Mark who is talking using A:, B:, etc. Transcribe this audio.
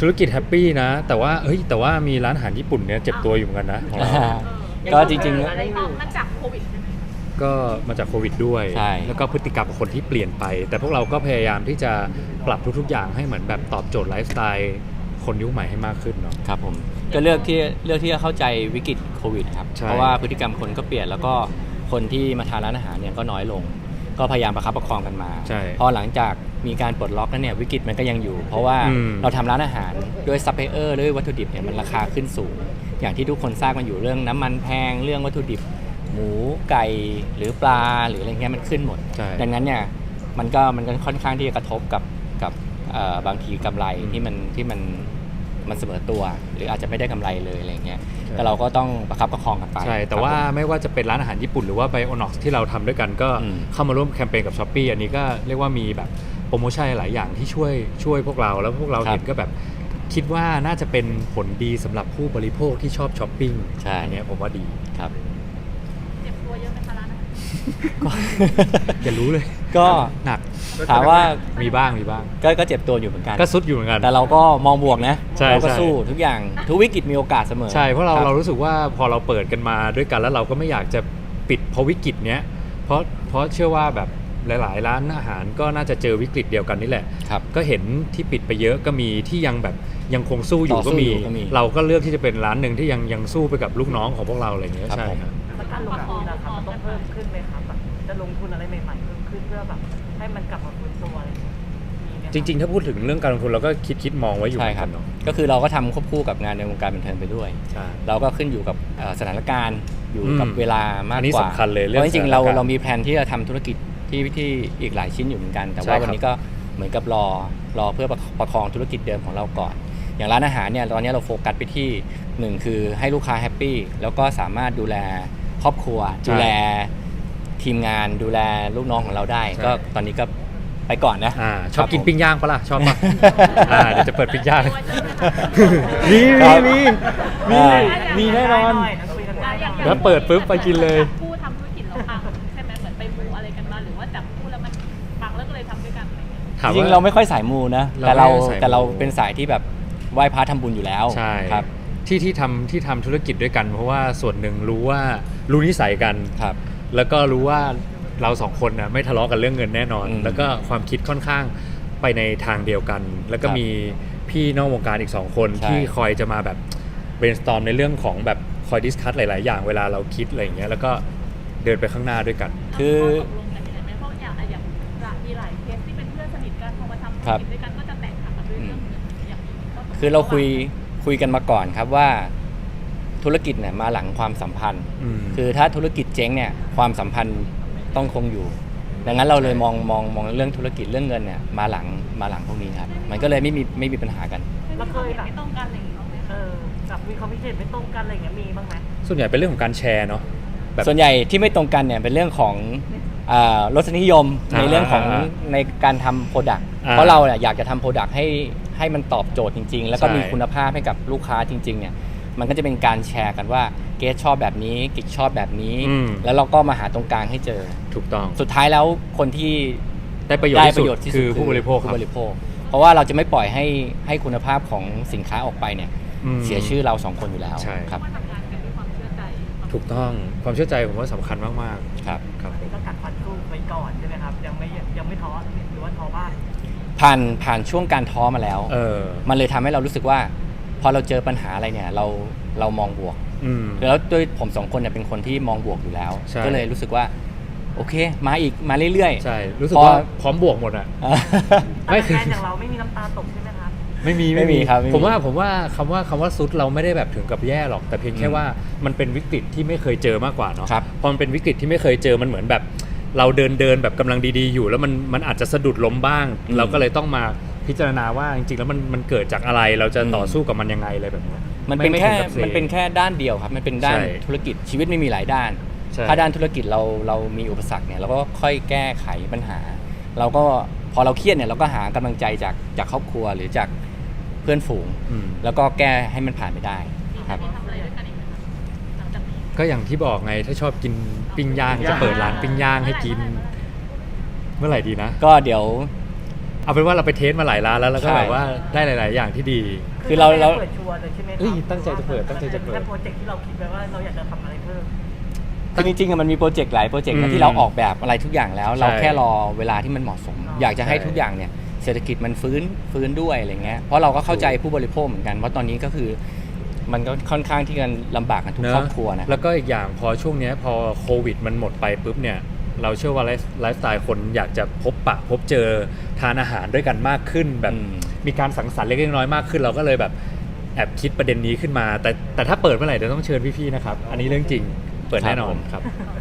A: ธุรกิจแฮปปี้นะแต่ว่ามีร้านอาหารญี่ปุ่นเนี่ยเจ็บตัวอยู่เหมือนกันนะของเรา
B: ก็จริงๆ
C: อะไรมาจากโควิดใช่ไหม
A: ก็มาจากโควิดด้วย
B: ใช่
A: แล้วก็พฤติกรรมของคนที่เปลี่ยนไป แต่พวกเราก็พยายามที่จะปรับทุกๆอย่างให้เหมือนแบบตอบโจทย์ไลฟ์สไตล์คนยุคใหม่ให้มากขึ้นเนาะ
B: ครับผมก็เลือกที่จะเข้าใจวิกฤตโควิดครับ
A: ใช่
B: เพราะว่าพฤติกรรมคนก็เปลี่ยนแล้วก็คนที่มาทานร้านอาหารเนี่ยก็น้อยลง ก็พยายามประคับประคองกันมา
A: ใช่
B: พอหลังจากมีการปลดล็อกแล้วเนี่ยวิกฤตมันก็ยังอยู่ เพราะว่า เราทำร้านอาหารด้วยซัพพลายเออร์ด้วยวัตถุดิบเนี่ยมันราคาขึ้นสูง อย่างที่ทุกคนทราบกันอยู่เรื่องน้ำมันแพงเรื่องวัตถุดิบ หมูไก่หรือปลาหรืออะไรเงี้ยมันขึ้นหมด
A: ใช่
B: ดังนั้นเนี่ยมันก็ค่อนข้างที่จะกระทบกับบางทีกำไรที่มันเสมอตัว หรืออาจจะไม่ได้กำไรเลยอะไรเงี้ยแต่เราก็ต้องประคับประคองกันไป
A: ใช่แต่ว่าไม่ว่าจะเป็นร้านอาหารญี่ปุ่นหรือว่าไบโอน็อกซ์ที่เราทำด้วยกันก็
B: อืม
A: เข้ามาร่วมแคมเปญกับ Shopee อันนี้ก็เรียกว่ามีแบบโปรโมชั่นหลายอย่างที่ช่วยพวกเราแล้วพวกเรา
B: ครับ
A: เห็นก็แบบคิดว่าน่าจะเป็นผลดีสำหรับผู้บริโภคที่ชอบช้อปปิ้ง
B: ใช่
A: อันเนี้ยผมว่าดี
B: ครับ
C: เจ็บตัวเยอะไหมคะร้านอาหาร
A: อย่ารู้เลย
B: ก็
A: หนัก
B: ถามว่า
A: มีบ้าง
B: ก็เจ็บตัวอยู่เหมือนกัน
A: ก็ซุดอยู่เหมือนกัน
B: แต่เราก็มองบวกนะ
A: ใช่
B: เราก็
A: ใช่
B: สู้ทุกอย่างทุกวิกฤตมีโอกาสเสมอ
A: ใช่เพราะเรา
B: คบ
A: รู้สึกว่าพอเราเปิดกันมาด้วยกันแล้วเราก็ไม่อยากจะปิดเพราะวิกฤตเนี้ยเพราะเชื่อว่าแบบหลายๆร้านอาหารก็น่าจะเจอวิกฤตเดียวกันนี่แหละ
B: ครับ
A: ก็เห็นที่ปิดไปเยอะก็มีที่ยังแบบยังคงสู้อยู่
B: ต่อสู้
A: ก็มี
B: อยู่ก็มี
A: เราก็เลือกที่จะเป็นร้านหนึ่งที่ยังสู้ไปกับลูกน้องของพวกเราอะไรอย่างเงี้ย
B: ครับ
A: ใช่
B: ผม
A: ครับ
D: แล้วการลงทุนนะครับมันต้องเพิ่มขึ้นไหมครับแบบจะลงทุนอะไรใหม่ๆเพิ่มขึ้นเพื่อแบบให้มันกลับมาฟื้นตัวอะไรอย่างเงี้ยมีไหมคบ
A: จริงๆ ถ้าพูดถึงเรื่องการลงทุนเราก็คิดมองไว้อยู่เห
B: ใช่
A: มือน
B: ครั
A: กับ นเนาะ
B: ก็คือเราก็ทำควบคู่กับงานในวงการบันเทิงไปด้วย
A: ใช่
B: เราก็ขึ้นอยู่กับสถานการณ์อยู่กับ
A: อืม
B: เวลามาก
A: อันนี้
B: กว่า
A: สำคัญเลย
B: เพ
A: เรื่อง
B: ราะจริงๆ
A: สถานการณ์
B: เรามีแผนที่จะทำธุรกิจที่อีกหลายชิ้นอยู่เหมือนกัน แต่
A: ใช่
B: ว่า
A: ครับ
B: วันนี้ก็เหมือนกับรอเพื่อประคองธุรกิจเดิมของเราก่อน อย่างร้านอาหารเนี่ยตอนนี้เราโฟกัสไปที่หนึ่งคือให้ลูกค้าแฮปปี้แล้วก็สามารถดูแลครอบครัว ดูแลทีมงานดูแลลูกน้องของเราได้ ก็ตอนนี้ก็ไปก่อนนะ
A: ชอบกินปิ้งย่างปะล่ะชอบปะ เดี๋ยวจะเปิดปิ้งย่าง
C: ตัวเยอะไหมคะ
A: มี
B: ครับ
A: มีแน่นอน
D: คุยกันได้
C: อย่าง
A: แล้วเปิดปุ๊บไปกินเลย
C: จับคู่ทำธุรกิจแล้วปังใช่ไหมเหมือนไปมูอะไรกันมาหรือว่าจับคู่แล้วมันปังแล้วก็เลยทำด้วยกันอะไรเงี้ย
A: ถาม
B: จริง
A: ว่า
B: ๆเราไม่ค่อยสายมูนะ
A: เรา
B: แต่เรา
A: ไม่ได้สายมู
B: แต่เราเป็นสายที่แบบไหว้พระทำบุญอยู่แล้ว
A: ใช่
B: ครับ
A: ที่ทำธุรกิจด้วยกัน เพราะว่าส่วนหนึ่งรู้นิสัยกัน
B: ครับ
A: แล้วก็รู้ว่าเราสองคนนะไม่ทะเลาะกันเรื่องเงินแน่นอน
B: อืม
A: แล้วก็ความคิดค่อนข้างไปในทางเดียวกัน แล้วก็
B: ครับ
A: มีพี่นอกวงการอีก2คน
B: ใช่
A: ที่คอยจะมาแบบ brainstorm ในเรื่องของแบบคอยดิสคัสหลาย ๆ อย่างเวลาเราคิดอะไรอย่างเงี้ยแล้วก็เดินไปข้างหน้าด้วยกัน
B: คือ
C: ตกลงกันยังไงไหมเพราะอย่างมีหลายเคสที่เป็นเพื่อนสนิทกันพอมาทำธุ
B: ครั
C: ร
B: บ
C: กิจด้วยกันก็จะแตกหักกันด้วยเรื่องเงินอย่างนี้ก็ตกลง
B: คือเราคุยกันมาก่อนครับว่าธุรกิจเนี่ยมาหลังความสัมพันธ์
A: อืม
B: คือถ้าธุรกิจเจ๊งเนี่ยความสัมพันธ์ต้องคงอยู่ ดังนั้นเราเลยมองเรื่องธุรกิจเรื่องเงินเนี่ยมาหลังพวกนี้ครับมันก็เลยไม่มีปัญหากัน
C: แล้วเคยแบบไม่ต้องการอะไรอย่างนี้บ้างไหมคะ
D: กับมีความคิดเห็นไม่ตรงกันอะไรอย่างเงี้ยมีบ้างไหม
A: ส่วนใหญ่เป็นเรื่องของการแชร์เนาะแบบ
B: ส่วนใหญ่ที่ไม่ตรงกันเนี่ยเป็นเรื่องของรสนิยมในเรื่องของในการทำโปรดักต์เพราะเราเนี่ยอยากจะทำโปรดักต์ให้มันตอบโจทย์จริง ๆ แล้วก็มีคุณภาพให้กับลูกค้าจริงๆเนี่ยมันก็จะเป็นการแชร์กันว่าเกสชอบแบบนี้กิกชอบแบบนี้ แล้วเราก็มาหาตรงกลางให้เจอ
A: ถูกต้อง
B: สุดท้ายแล้วคนที่
A: ได้ประโยชน์
B: ได้
A: ที่
B: ประโยชน์
A: สุด
B: ที่สุด
A: คือผู้บริโภคครับ
B: ผู้บริโภค เพราะว่าเราจะไม่ปล่อยให้คุณภาพของสินค้าออกไปเนี่ย
A: อืม
B: เสียชื่อเราสองคนอยู่แล้ว
A: ใช่
B: ครับ
C: ว่าทำงานกันด้วยความเชื่อใจ
A: ถูกต้องความเชื่อใจผมว่าสำคัญมาก
B: ครับ
A: ๆครับผม
D: ก็กัดฟันสู้ไปก่อนใช่ไหมครับยังไม่ท้อหรือว่าท้อบ้าง
B: ผ่านช่วงการท้อมาแล้ว มันเลยทำให้เรารู้สึกว่า พอเราเจอปัญหาอะไรเนี่ยเรามองบวก
A: อืม
B: แล้วด้วยผมสองคนเนี่ยเป็นคนที่มองบวกอยู่แล้ว
A: ใช่
B: ก็เลยรู้สึกว่าโอเคมาอีกมาเรื่อยๆ
A: ใช่รู้สึกว่าพร้อมบวกหมดอะ ไม่
D: ไม่
A: คือ
D: แฟนอย่างเราไม่มีน้ำตาตกใช่ไหมครับ
A: ไม่มี
B: ไม่มีครับไม่มี
A: ผมว่าคำว่าซุดเราไม่ได้แบบถึงกับแย่หรอก แต่เพียงแค่ว่ามันเป็นวิกฤตที่ไม่เคยเจอมากกว่าเนาะ
B: ครับ
A: พอมันเป็นวิกฤตที่ไม่เคยเจอมันเหมือนแบบ เราเดินแบบกำลังดีๆอยู่ แล้วมันอาจจะสะดุดล้มบ้าง เราก็เลยต้องมาพิจารณาว่าจริงๆแล้วมันเกิดจากอะไรเราจะต่อสู้กับมันยังไงอะไรแบบนี้
B: มันเป็นแค่
A: ไถึงกับ
B: มันเป็นแค่ด้านเดียวครับมันเป็นด้าน
A: ใช่
B: ธุรกิจชีวิตไม่มีหลายด้าน
A: ใช่
B: ถ้าด้านธุรกิจเรามีอุปสรรคเนี่ยเราก็ค่อยแก้ไขปัญหา เราก็พอเราเครียดเนี่ยเราก็หากำลังใจจากครอบครัวหรือจากเพื่อนฝูง
A: อืม
B: แล้วก็แก้ให้มันผ่านไปได้ครับ
C: มีทำอะไรด้วยกันอีกไหมคะหลังจากนี้
A: ก็อย่างที่บอกไงถ้าชอบกินปิ้งย่างจะเปิดร้านปิ้งย่างให้กิน เมื่อไหร่ดีนะ
B: ก็เดี๋ยว
A: เอาเป็นว่าเราไปเทสมาหลายร้านแล้วก็
B: ใช่
A: แบบว่าได้หลาย ๆ อย่างที่ดี
B: คือเรา
D: เปิดชัวร์เลยใช่ไหมครั
A: เอ้ยตั้งใจจะเปิดตั้งใจจะเปิด
D: แค่โปรเจกต์ที่เราคิดไว้ว่าเราอยากจะทำอะไรเพิ่ม
B: คือจริงๆอะมันมีโปรเจกต์หลายโปรเจกต์
A: อื
B: นะ
A: ม
B: ที่เราออกแบบอะไรทุกอย่างแล้ว เรา
A: ใช่
B: แค่รอเวลาที่มันเหมาะสม อยากจะให้
A: ใช่
B: ทุกอย่างเนี่ยเศรษฐกิจมันฟื้นด้วยอะไรเงี้ยเพราะเราก็เข้าใจผู้บริโภคเหมือนกันว่าตอนนี้ก็คือ มันก็ค่อนข้างที่จะลำบากกันทุกครอบครัวนะ
A: แล้วก็อีกอย่างพอช่วงเนี้ยพอโควิดมันหมดไปปุ๊บเนี่ยเราเชื่อว่าไลฟ์สไตล์คนอยากจะพบปะพบเจอทานอาหารด้วยกันมากขึ้นแบบ
B: อืม
A: มีการสังสรรค์เล็กๆน้อยๆมากขึ้น เราก็เลยแบบแอบคิดประเด็นนี้ขึ้นมา แต่ถ้าเปิดเมื่อไหร่เดี๋ยวต้องเชิญพี่ๆนะครับอันนี้เรื่องจริงเปิดแน่นอนครับ